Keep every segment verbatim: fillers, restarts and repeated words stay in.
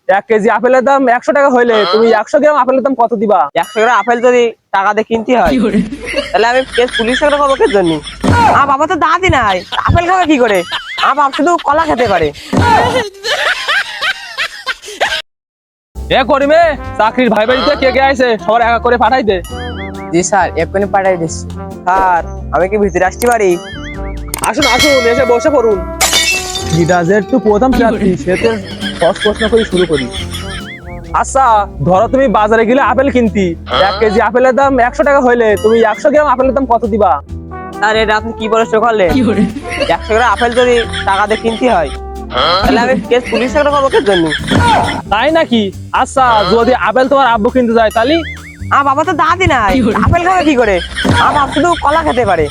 এক কেজি আপেলের দাম একশো টাকা হইলে তুমি একশো গ্রাম আপেলের দাম কত দিবা? একশো গ্রাম আপেল যদি টাকা দিয়ে কিনতে হয় তাহলে আমি কেস পুলিশের খবরের জন্য। আমার বাবা তো দাঁতই নাই, আপেল খাবে কি করে? আমার বাবা শুধু কলা খেতে পারে। এ করিমে, চাকরির ভাই বাড়িতে কে কে আইছে সবার একা করে পাঠাই দে। জি স্যার, এক্ষুনি পাঠাই দিচ্ছি। স্যার আমি কি ভিতরে আসতে পারি? আসুন আসুন, এসে বসে পড়ুন। যেটা যেহেতু প্রথম প্রার্থী সেতে সহজ প্রশ্ন করে শুরু করি। আচ্ছা ধরো তুমি বাজারে গেলে আপেল কিনতি, এক কেজি আপেলের দাম একশো টাকা হইলে তুমি একশো গ্রাম আপেলের দাম কত দিবা? স্যার এটা আপনি কি প্রশ্ন করলেন? একশো গ্রাম আপেল যদি টাকা দিয়ে কিনতে হয় তাহলে আমি কেস পুলিশের খবরের জন্য। তাই নাকি? আচ্ছা যদি আপেল তোমার আব্বু কিনতে যায় তাহলে? আমার বাবা তো দাঁতই নাই, আপেল খাবে কি করে? আমার বাবা শুধু কলা খেতে পারে।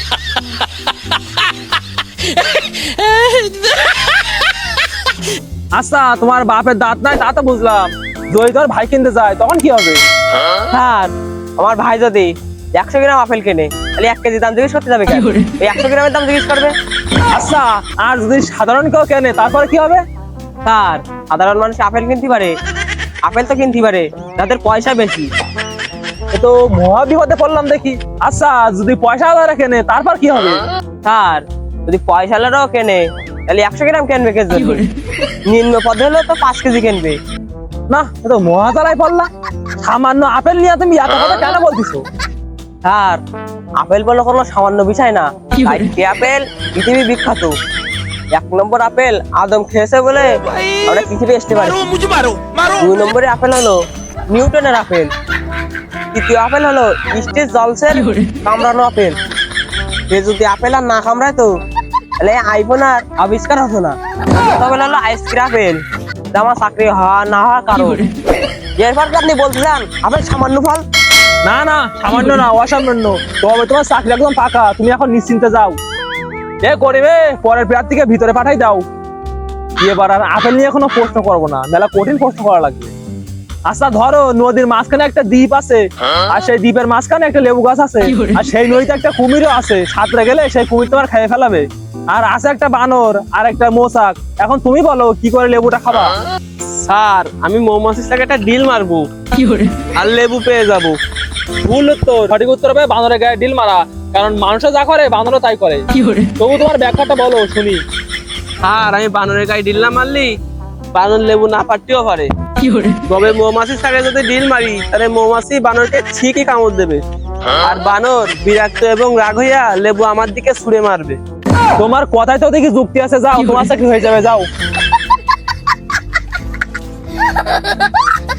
আচ্ছা তোমার বাপের দাঁত নাই তা তো বুঝলাম, যদি তোর ভাই কিনতে যায় তখন কি হবে? স্যার আমার ভাই যদি একশো গ্রাম আপেল কেনে তাহলে এক কেজি দাম জিজ্ঞেস করতে যাবে কেন? এই একশো গ্রামের দাম জিজ্ঞেস করবে। আচ্ছা আর যদি সাধারণ কেউ কেনে তারপরে কি হবে? স্যার সাধারণ মানুষ আপেল কিনতে পারে, আপেল তো কিনতে পারে যাদের পয়সা বেশি। এ তো মহা বিপদে পড়লাম দেখি। আচ্ছা যদি পয়সা আলাদা কেনে তারপর কি হবে? স্যার যদি পয়সাওয়ালারাও কেনে তাহলে একশো গ্রাম কেনবে কে জন্য? নিম্ন পদে হলেও তো পাঁচ কেজি কিনবে। না এ তো মহা জ্বালায় পড়লাম। সামান্য আপেল নিয়ে তুমি এত কথা কেন বলতেছো? স্যার আপেল বলে কোনো সামান্য বিষয় না, চারটি আপেল পৃথিবী বিখ্যাত। এক নম্বর আপেল আদম খেয়েছে বলে আমরা পৃথিবী আসতে পারি। দুই নম্বরে আপেল হলো নিউটনের আপেল। তৃতীয় আপেল হলো স্টিভ জবসের কামড়ানো আপেল। সে যদি আপেল আর না কামড়ায় তো তাহলে আইফোন আর আবিষ্কার হতো না। তবে হলো আইসক্রিম আপেল, যা আমার চাকরি হওয়া না হওয়ার কারণ। এরপর কি আপনি বলতে চান আপেল সামান্য ফল? না না সামান্য না, অসামান্য। তবে তোমার চাকরি একদম ফাঁকা, তুমি এখন নিশ্চিন্তে যাও। এ করিবে পরের প্রার্থীকে ভিতরে পাঠাই দাও। এবার আর আপেল নিয়ে কোনো প্রশ্ন করবো না, মেলা কঠিন প্রশ্ন করা লাগবে। আচ্ছা ধরো নদীর মাঝখানে একটা দ্বীপ আছে, আর সেই দ্বীপের মাঝখানে একটা লেবু গাছ আছে, আর সেই নদীতে একটা কুমিরও আছে। সাঁতরে গেলে সেই কুমির তোমার খেয়ে ফেলাবে। আর আছে একটা বানর আর একটা মোচাক। এখন তুমি বলো কি করে লেবুটা খাবা? স্যার আমি মৌমাছির সাথে একটা ডিল মারবো আর লেবু পেয়ে যাবো। ভুল উত্তর। সঠিক উত্তর হবে বানরের গায়ে ডিল মারা, কারণ মানুষও যা করে বানরও তাই করে। তবু তোমার ব্যাখ্যাটা বলো শুনি। স্যার আমি বানরের গায়ে ডিল না মারলি বানর লেবু না পারতেও পারে। তবে মৌমাছির সাথে যদি ডিল মারি তাহলে মৌমাছি বানরকে ঠিকই কামড় দেবে, আর বানর বিরক্ত এবং রাগ হইয়া লেবু আমার দিকে ছুঁড়ে মারবে। তোমার কথায় তো দেখি যুক্তি আছে, যাও তোমার চাকরি হয়ে যাবে, যাও।